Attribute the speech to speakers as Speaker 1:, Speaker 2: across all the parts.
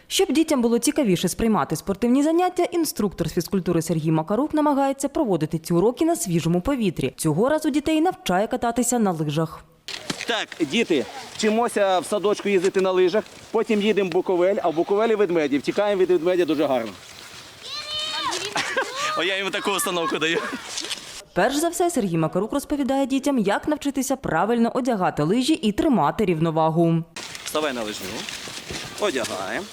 Speaker 1: Щоб дітям було цікавіше сприймати спортивні заняття, інструктор з фізкультури Сергій Макарук намагається проводити ці уроки на свіжому повітрі. Цього разу дітей навчає кататися на лижах.
Speaker 2: Так, діти, вчимося в садочку їздити на лижах, потім їдемо в Буковель, а в Буковелі ведмеді. Втікаємо від ведмедя дуже гарно. О, я йому таку установку даю.
Speaker 1: Перш за все, Сергій Макарук розповідає дітям, як навчитися правильно одягати лижі і тримати рівновагу.
Speaker 2: Вставай на лижню, одягаємо.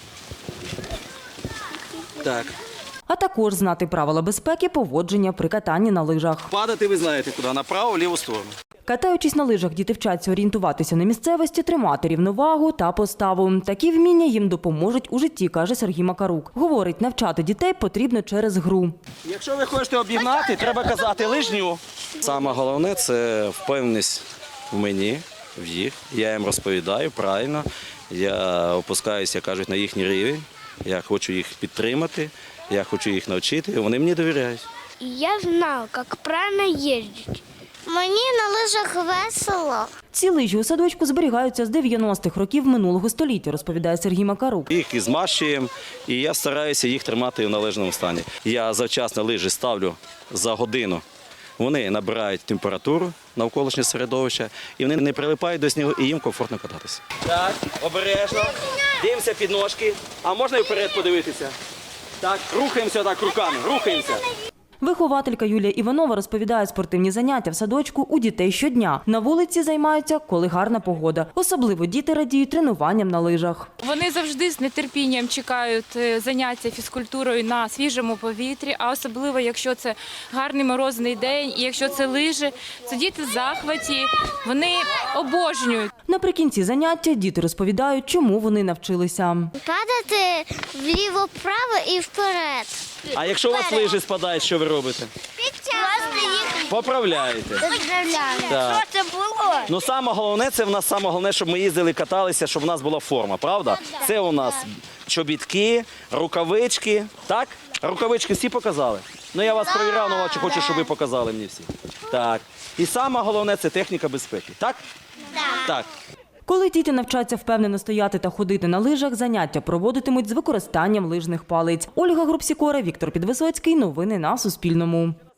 Speaker 2: Так.
Speaker 1: А також знати правила безпеки поводження при катанні на лижах.
Speaker 2: Падати ви знаєте куди, направо, в ліву сторону.
Speaker 1: Катаючись на лижах, діти вчаться орієнтуватися на місцевості, тримати рівновагу та поставу. Такі вміння їм допоможуть у житті, каже Сергій Макарук. Говорить, навчати дітей потрібно через гру.
Speaker 2: Якщо ви хочете обігнати, треба казати лижню.
Speaker 3: Саме головне – це впевненість в мені, в їх. Я їм розповідаю правильно, я опускаюся, як кажуть, на їхній рівень. Я хочу їх підтримати, я хочу їх навчити, і вони мені довіряють.
Speaker 4: Я знаю, як правильно їздити. Мені на лижах весело.
Speaker 1: Ці лижі у садочку зберігаються з 90-х років минулого століття, розповідає Сергій Макарук.
Speaker 3: Їх і змащуємо, і я стараюся їх тримати в належному стані. Я завчасно лижі ставлю за годину. Вони набирають температуру навколишнє середовище, і вони не прилипають до снігу, і їм комфортно кататися.
Speaker 2: Так, обережно. Дивимося під ножки. А можна і вперед подивитися? Так, рухаємося так руками, рухаємося.
Speaker 1: Вихователька Юлія Іванова розповідає, спортивні заняття в садочку у дітей щодня. На вулиці займаються, коли гарна погода. Особливо діти радіють тренуванням на лижах.
Speaker 5: Вони завжди з нетерпінням чекають заняття фізкультурою на свіжому повітрі, а особливо, якщо це гарний морозний день і якщо це лижі, це діти в захваті, вони обожнюють.
Speaker 1: Наприкінці заняття діти розповідають, чому вони навчилися.
Speaker 4: Падати вліво-вправо і вперед.
Speaker 2: А якщо у вас лижі спадають, що ви робите? Поправляєте. Так.
Speaker 4: Що це було?
Speaker 2: Ну, саме головне, щоб ми їздили, каталися, щоб у нас була форма, правда? Це у нас чобітки, рукавички, так? Рукавички всі показали? Ну, я вас перевіряв, але хочу, щоб ви показали мені всі. Так. І саме головне – це техніка безпеки, так? Так.
Speaker 1: Коли діти навчаться впевнено стояти та ходити на лижах, заняття проводитимуть з використанням лижних палиць. Ольга Грубсікора, Віктор Підвисоцький. Новини на Суспільному.